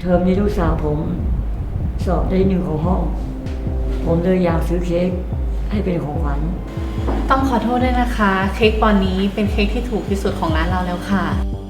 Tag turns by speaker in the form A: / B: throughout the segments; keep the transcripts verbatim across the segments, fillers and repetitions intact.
A: เทอมนี้ลูกสาวผมสอบได้หนึ่งของห้องผมเลยอยากซื้อเค้กให้เป็นของขวัญ
B: ต้องขอโทษด้วยนะคะเค้กปอนนี้เป็นเค้กที่ถูกที่สุดของร้านเราแล้วค่ะ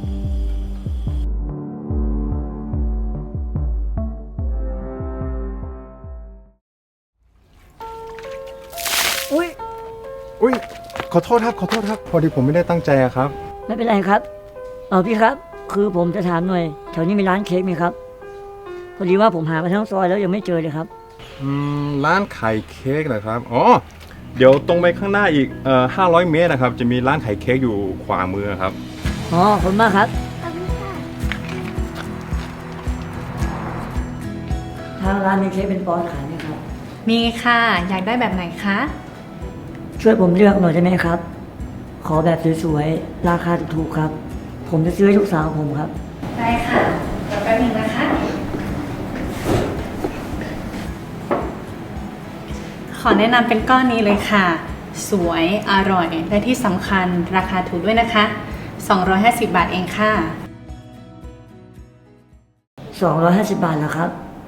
A: อุ้ย
C: อุ้ยขอโทษครับขอโทษครับพอดีผมไม่ได้ตั้งใจอะครับ
A: ไม่เป็นไรครับเออพี่ครับคือผมจะถามหน่อยแถวนี้มีร้านเค้กไหมครับพอดีว่าผมหามาทั้งซอยแล้วยังไม่เจอเลยครับ
C: อืมร้านขายเค้กเหรอครับอ๋อเดี๋ยวตรงไปข้างหน้าอีกเอ่อห้าร้อยเมตรนะครับจะมีร้านขายเค้กอยู่ขวามือครับ
A: อ๋อขอบคุณมากครับทางร้านมีเค้กเป็นปอนด์ขายไหมครับ
B: มีค่ะอยากได้แบบไหนคะ
A: ช่วยผมเลือกหน่อยได้ไหมครับขอแบบสวยๆราคาถูกๆครับผมจะซื้อให้ลูกสาวผมครับ
B: ได้ค่ะเดี๋ยวแป๊บนึงนะคะขอแนะนำเป็นก้อนนี้เลยค่ะสวยอร่อยและที่สำคัญราคาถูกด้วยนะคะสองร้อยห้าสิบบาทเองค่ะ
A: สองร้อยห้าสิบบาทเหรอครับ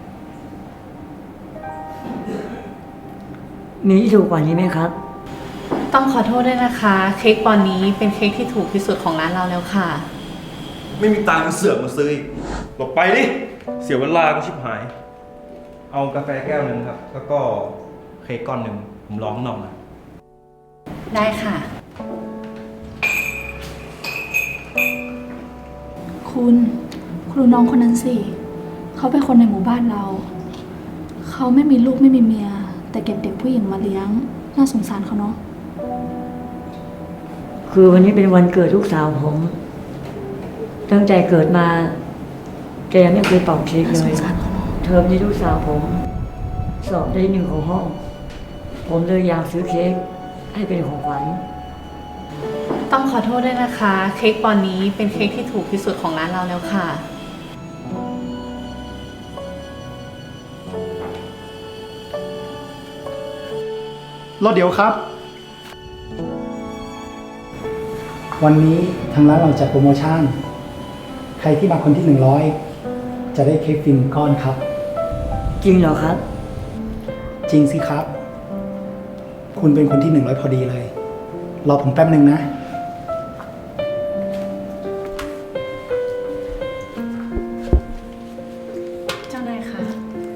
A: มีที่ถูกกว่านี้ไหมครับ
B: ต้องขอโทษด้วยนะคะเค้กปอนนี้เป็นเค้กที่ถูกที่สุดของร้านเราแล้วค่ะ
D: ไม่มีตังค์เสือกมาซื้ออีกหลบไปดิเสียเวลาก็ชิบหายเอากาแฟแก้วหนึ่งครับแล้วก็เค้กก้อนหนึ่งผมร้องหน่อยนะ
B: ได้ค่ะ
E: คุณครูน้องคนนั้นสิเขาเป็นคนในหมู่บ้านเราเขาไม่มีลูกไม่มีเมียแต่เก็บเด็กผู้หญิงมาเลี้ยงน่าสงสารเขาเนาะ
A: คือวันนี้เป็นวันเกิดลูกสาวผมตั้งใจเกิดมาแกยังไม่เคยเป่าเค้กเลยเทอมนี้ลูกสาวผมสอบได้หนึ่งของห้องผมเลยอยากซื้อเค้กให้เป็นของขวัญ
B: ต้องขอโทษด้วยนะคะเค้กปอนนี้เป็นเค้กที่ถูกที่สุดของร้านเราแล้วค่ะ
F: รอเดี๋ยวครับวันนี้ทางร้านเราจัดโปรโมชั่นใครที่มาคนที่หนึ่งร้อยจะได้เค้กฟรีหนึ่งก้อนครับ
A: จริงเหรอครับ
F: จริงสิครับคุณเป็นคนที่หนึ่งร้อยพอดีเลยรอผมแป๊บหนึ่งนะ
B: เจ้านายค่ะ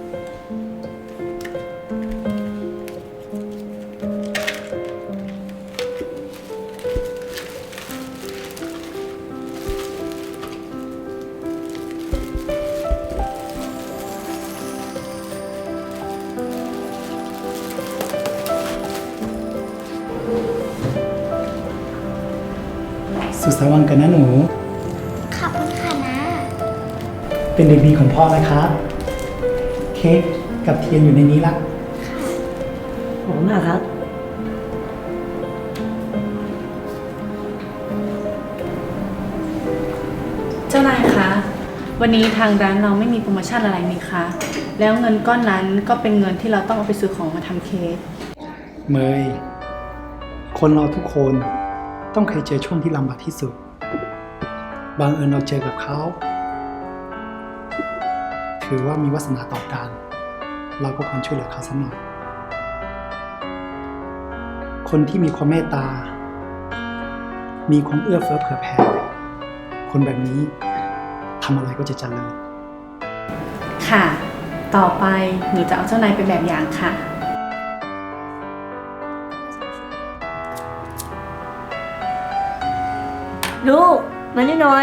F: สุดสายวันกันนะหนู
G: ขอบคุณค่ะนะ
F: เป็นเด็กดีของพ่อนะครับเค้กกับเทียนอยู่ในนี้ละ
A: ขอบคุณมากครับ
B: เจ้านายคะวันนี้ทางร้านเราไม่มีโปรโมชั่นอะไรนี่คะแล้วเงินก้อนนั้นก็เป็นเงินที่เราต้องเอาไปซื้อของมาทำเค้ก
F: เมยคนเราทุกคนต้องเคยเจอช่วงที่ลำบากที่สุดบางเอิญเราเจอกับเขาถือว่ามีวาสนาต่อกันเราก็ควรช่วยเหลือเขาสักหน่อยคนที่มีความเมตตามีความเอื้อเฟื้อเผื่อแผ่คนแบบนี้ทำอะไรก็จะเจริญ
B: ค่ะต่อไปหนูจะเอาเจ้านายเป็นแบบอย่างค่ะ
A: ลูกมานี่หน่อย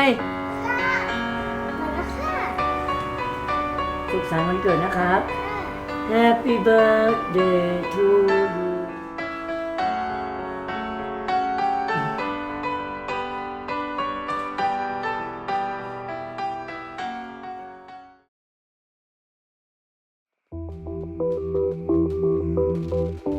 A: สุขสันต์วันเกิดนะครับ Happy birthday to you